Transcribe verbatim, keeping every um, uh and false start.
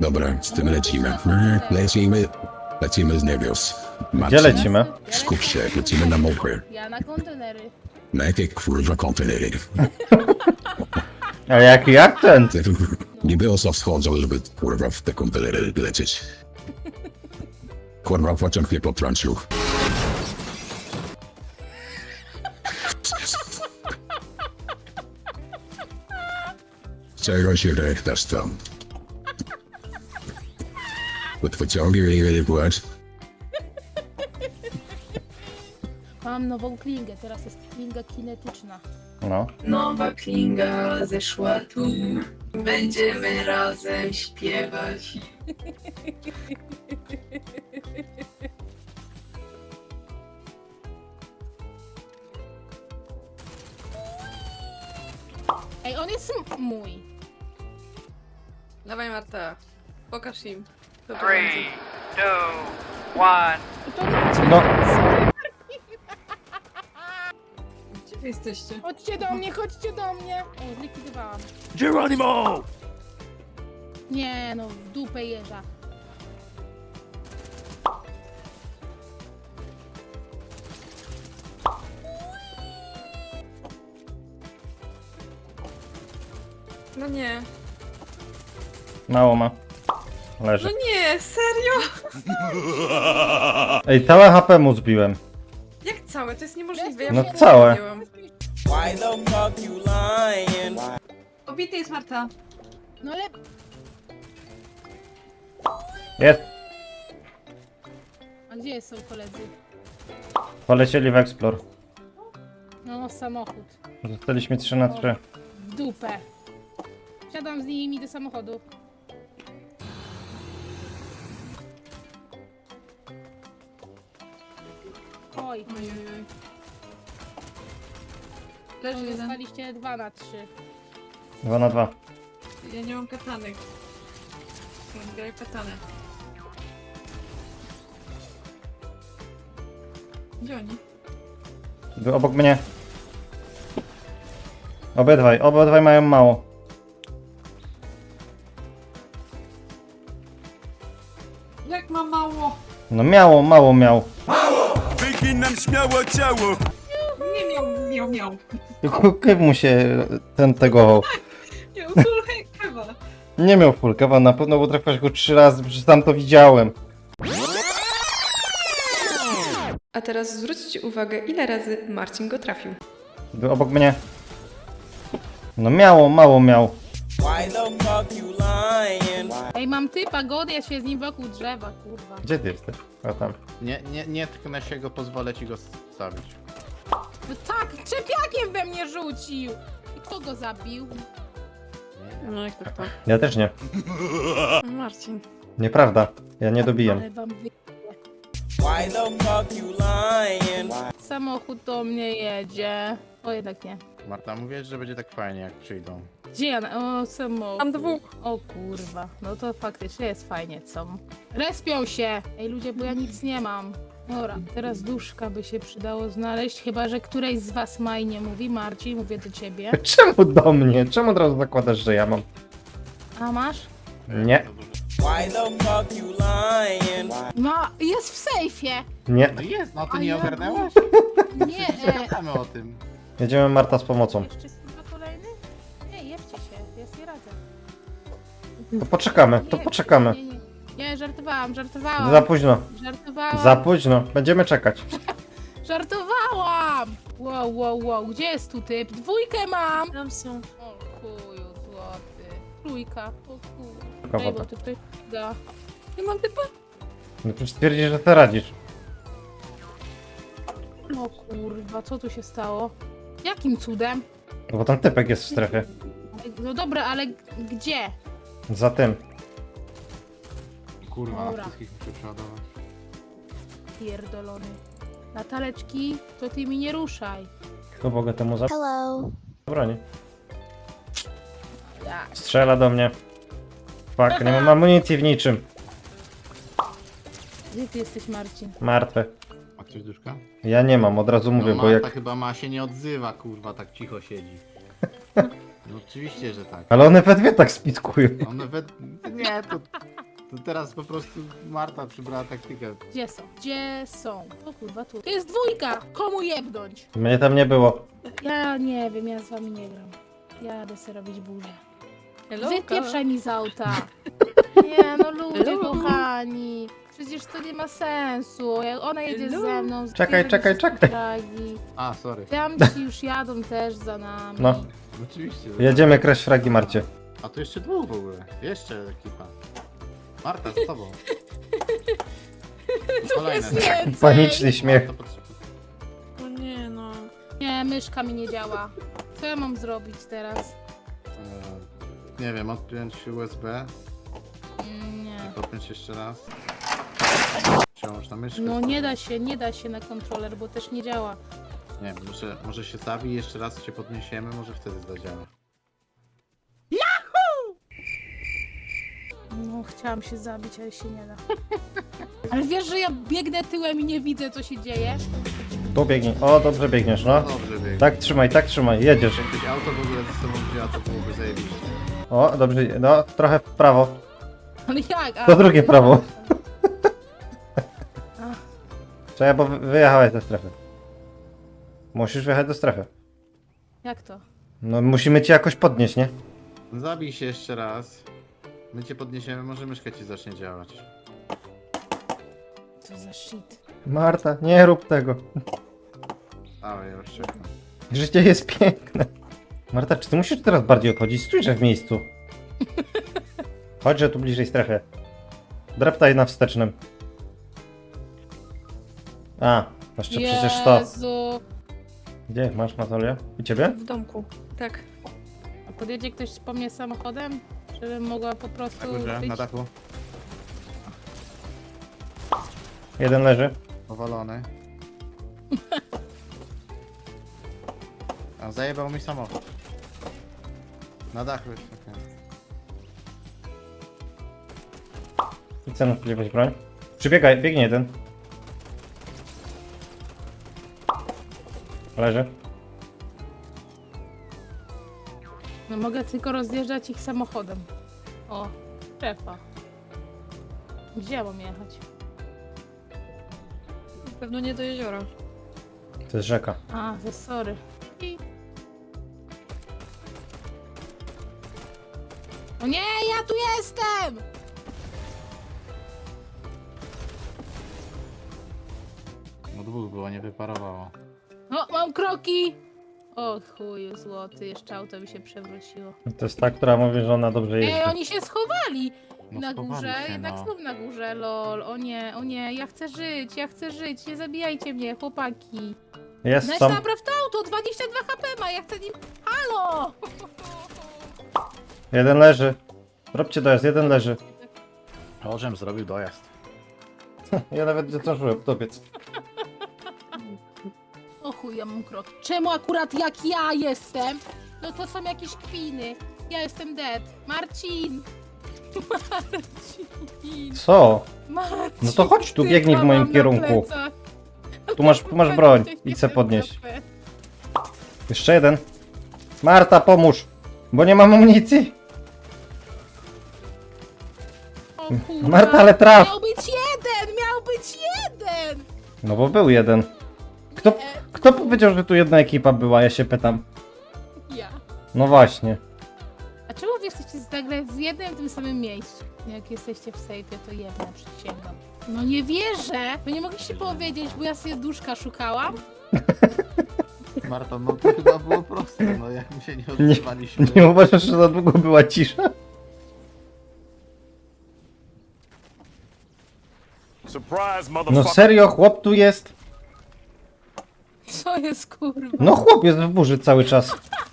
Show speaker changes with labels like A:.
A: Dobra, z tym lecimy. Lecimy. Lecimy z niebios.
B: Gdzie
A: Marcin,
B: lecimy?
A: skup się, lecimy na mokre.
C: Ja na kontenery.
A: Na jakie kurwa kontenery?
B: A jaki akcent?
A: Niby osa wschodzą, żeby kurwa w te kontenery lecieć. Kurwa pociąg mnie potrącił. Czego się rechtasz tam? Pod pociągiem nie płacz.
C: Mam nową klingę, teraz jest klinga kinetyczna.
B: No.
D: Nowa klinga zeszła tu, będziemy razem śpiewać.
C: Ej, on jest m- mój.
D: Dawaj Marta, pokaż im. To
E: Three, two, one.
C: I to nie
B: No.
D: Gdzie wy jesteście?
C: Chodźcie do mnie, chodźcie do mnie! O, zlikwidowałam.
E: Geronimo!
C: Nie no, w dupę jeża.
D: No nie.
B: Mało ma.
D: No
B: Leży.
D: nie, serio?
B: Ej, całe H P mu zbiłem.
D: Jak całe? To jest niemożliwe. Ja
B: No
D: w-
B: całe.
D: wzięłam.
F: Why the fuck you lying?
D: Obity jest Marta.
C: No ale...
B: Jest.
C: A gdzie są koledzy?
B: Polecieli w Explore.
C: No, samochód.
B: Zostaliśmy trzy na trzy.
C: W dupę. Siadam z nimi do samochodu. Oj,
D: Oj, oj, oj.
C: to
D: Leży jeden.
C: zostaliście dwa na trzy.
B: Dwa na dwa.
D: Ja nie mam katanek. Ja graj katanę. Gdzie oni?
B: Był obok mnie. Obydwaj, obydwaj mają mało.
D: Jak ma mało?
B: No miało, mało miał.
F: Wyginam śmiało ciało!
D: Nie miał, miał, miał.
B: Kyw mu się ten tego.
D: Miał kulę kawa.
B: Nie miał full kawa, na pewno bo trafiłaś go trzy razy, przecież tam to widziałem.
G: A teraz zwróćcie uwagę, ile razy Marcin go trafił.
B: Był obok mnie. No miało, mało miał.
F: Why the fuck you lying?
C: Ej, mam typa, godę się z nim wokół drzewa, kurwa.
B: Gdzie ty jesteś? A tam.
H: Nie, nie, nie tknę się go, pozwolę ci go stawić.
C: No tak, czepiakiem we mnie rzucił! I kto go zabił?
D: No jak to to?
B: Ja też nie.
D: Marcin.
B: Nieprawda. Ja nie dobiję.
C: Ale wam wy...
F: Why the fuck you lying?
C: Samochód do mnie jedzie. O, jednak nie.
H: Marta, mówię, że będzie tak fajnie, jak przyjdą.
C: Gdzie ja? na- O, samochód.
D: Mam dwóch.
C: O kurwa. No to faktycznie jest fajnie, co? Respią się! Ej ludzie, bo ja nic nie mam. Dobra, teraz duszka by się przydało znaleźć, chyba że któreś z was ma i nie mówi. Marcin, mówię do ciebie.
B: Czemu do mnie? Czemu od razu zakładasz, że ja mam?
C: A masz?
B: Nie,
F: Why the fuck you lying?
C: Ma, jest w sejfie!
B: nie.
H: No jest, no ty
C: A
H: nie
C: ja-
H: ogarnęłaś?
C: Nie, e,
H: Gadamy o tym.
B: Jedziemy Marta z pomocą.
C: jeszcze chyba kolejny? Nie, jebcie się, ja sobie radzę.
B: To poczekamy, to
C: Nie,
B: poczekamy.
C: Nie, nie, nie, żartowałam, żartowałam.
B: Za późno.
C: Żartowałam.
B: Za późno. Będziemy czekać.
C: Żartowałam! Wow, wow, wow, gdzie jest tu typ? Dwójkę mam!
D: Tam są.
C: O chuju złoty. Trójka, o chuj.
B: Tylko
C: Ej, bo
B: woda.
C: ty tutaj da.
D: Ja mam typa.
B: No przecież stwierdzisz, że ty radzisz.
C: O kurwa, co tu się stało? Jakim cudem?
B: No bo tam typek jest w strefie.
C: No dobra, ale g- gdzie?
B: Za tym.
H: Kurwa,
C: Dobra.
H: wszystkich muszę przeładować.
C: Pierdolony. Nataleczki, to ty mi nie ruszaj.
B: Kto mogę temu za...
I: Hello.
B: Broni.
C: Ja.
B: Strzela do mnie. Fuck, nie mam amunicji w niczym.
C: Gdzie ty jesteś, Marcin?
B: Martwe.
H: Ma ktoś duszka?
B: Ja nie mam, od razu mówię,
H: no,
B: bo
H: Marta
B: jak...
H: chyba ma się nie odzywa, kurwa, tak cicho siedzi. No oczywiście, że tak.
B: Ale one we dwie tak spitkują.
H: One we... Nie, to To teraz po prostu Marta przybrała taktykę.
C: Gdzie są? Gdzie są? O kurwa, tu. To jest dwójka! Komu jebnąć?
B: Mnie tam nie było.
C: Ja nie wiem, ja z wami nie gram. Jadę sobie robić burzę.
G: Hello,
C: Wypieprzaj mi z auta. Nie, no ludzie
G: Hello.
C: kochani. Przecież to nie ma sensu. Jak ona jedzie
G: Hello.
C: ze mną.
B: Czekaj,
C: zbierze
B: czekaj,
C: wszystkie
B: czekaj.
C: fragi.
H: A, sorry.
C: Tamci już jadą też za nami.
B: No.
H: Oczywiście.
B: Jedziemy kraść fragi, Marcie.
H: A tu jeszcze dwóch w ogóle. Jeszcze ekipa. Marta, z tobą. Kolejne.
C: Jest więcej.
B: Paniczny śmiech.
H: Marta potrzebuje.
D: O nie no.
C: Nie, myszka mi nie działa. Co ja mam zrobić teraz?
H: Eee, nie wiem, odpiąć U S B
C: Mm, Nie.
H: i podpiąć jeszcze raz. Czy można myszkę?
C: No nie da się, nie da się na kontroler, bo też nie działa.
H: Nie wiem, może, może się zawi jeszcze raz się podniesiemy, może wtedy zadziała.
C: No, chciałam się zabić, ale się nie da. Ale wiesz, że ja biegnę tyłem i nie widzę, co się dzieje?
B: Tu biegnij. O, dobrze biegniesz, no.
H: Dobrze biegnie.
B: Tak trzymaj, tak trzymaj, jedziesz.
H: Jakbyś auto w ogóle ze sobą wzięła, to byłoby zajebiście.
B: O, dobrze, no, trochę w prawo.
C: Ale jak? A,
B: To drugie prawo.
C: Ach.
B: Czekaj, bo wy- wyjechałeś do strefy. Musisz wjechać do strefy.
C: Jak to?
B: No, musimy cię jakoś podnieść, nie?
H: Zabij się jeszcze raz. My cię podniesiemy, może myszka ci zacznie działać.
C: Co za shit.
B: Marta, nie rób tego.
H: Ale ja już czekam.
B: Życie jest piękne. Marta, czy ty musisz teraz bardziej obchodzić? Stójże w miejscu. Chodźże tu bliżej strefy. Dreptaj na wstecznym. A, jeszcze przecież to.
C: Jezu.
B: Gdzie masz Natalię? U ciebie?
G: W domku. Tak.
C: A podjedzie ktoś po mnie samochodem? Żebym mogła po prostu
H: Na górze,
C: być...
H: na dachu.
B: Jeden leży.
H: Powalony. A zajebał mi samochód. Na dachu jest. Okay.
B: I co na spodziewać broń? Przybiegaj, biegnie jeden. Leży.
C: No mogę tylko rozjeżdżać ich samochodem. O, strefa. Gdzie ja mam jechać?
G: Pewno nie do jeziora.
B: To jest rzeka.
C: A, to sorry. I... O nie, ja tu jestem!
H: No dwóch było, nie wyparowało.
C: O, mam kroki! O chuju złoty, jeszcze auto mi się przewróciło.
B: To jest ta, która mówi, że ona dobrze jeździ.
C: Ej, oni się schowali!
H: No
C: Na
H: schowali
C: górze,
H: się,
C: jednak
H: no.
C: znów na górze, lol. O nie, o nie, ja chcę żyć, ja chcę żyć, nie zabijajcie mnie, chłopaki.
B: Jest
C: Weź
B: tam.
C: napraw to auto, dwadzieścia dwa H P ma, ja chcę nim... Halo!
B: Jeden leży. Robcie dojazd, jeden leży.
H: Orzem zrobił dojazd.
B: Ja nawet nie zdążyłem dobiec.
C: O chuj, ja mam krok. Czemu akurat jak ja jestem? No to są jakieś kpiny. Ja jestem dead. Marcin! Marcin!
B: Co?
C: Marcin!
B: No to chodź tu,
C: typa
B: biegnij w moim
C: mam na
B: kierunku.
C: plecach.
B: Tu masz, tu masz broń. Idź se podnieść. Jeszcze jeden. Marta, pomóż. Bo nie mam amunicji.
C: O kurwa.
B: Marta, ale traf.
C: Miał być jeden! Miał być jeden!
B: No bo był jeden. Kto,
C: Nie,
B: kto powiedział, że tu jedna ekipa była? Ja się pytam.
C: ja.
B: No właśnie.
C: A czemu wy jesteście nagle w jednym tym samym miejscu? Jak jesteście w sejfie, to jedna, przysięgam. No nie wierzę! Wy nie mogliście powiedzieć, bo ja sobie duszka szukałam?
H: Marta, no to chyba było proste, no jak my się nie odzywaliśmy.
B: Nie uważasz, że za długo była cisza?
E: Surprise,
B: No
E: motherfucker.
B: serio, chłop tu jest?
C: Co jest kurwa?
B: No chłop jest w burzy cały czas.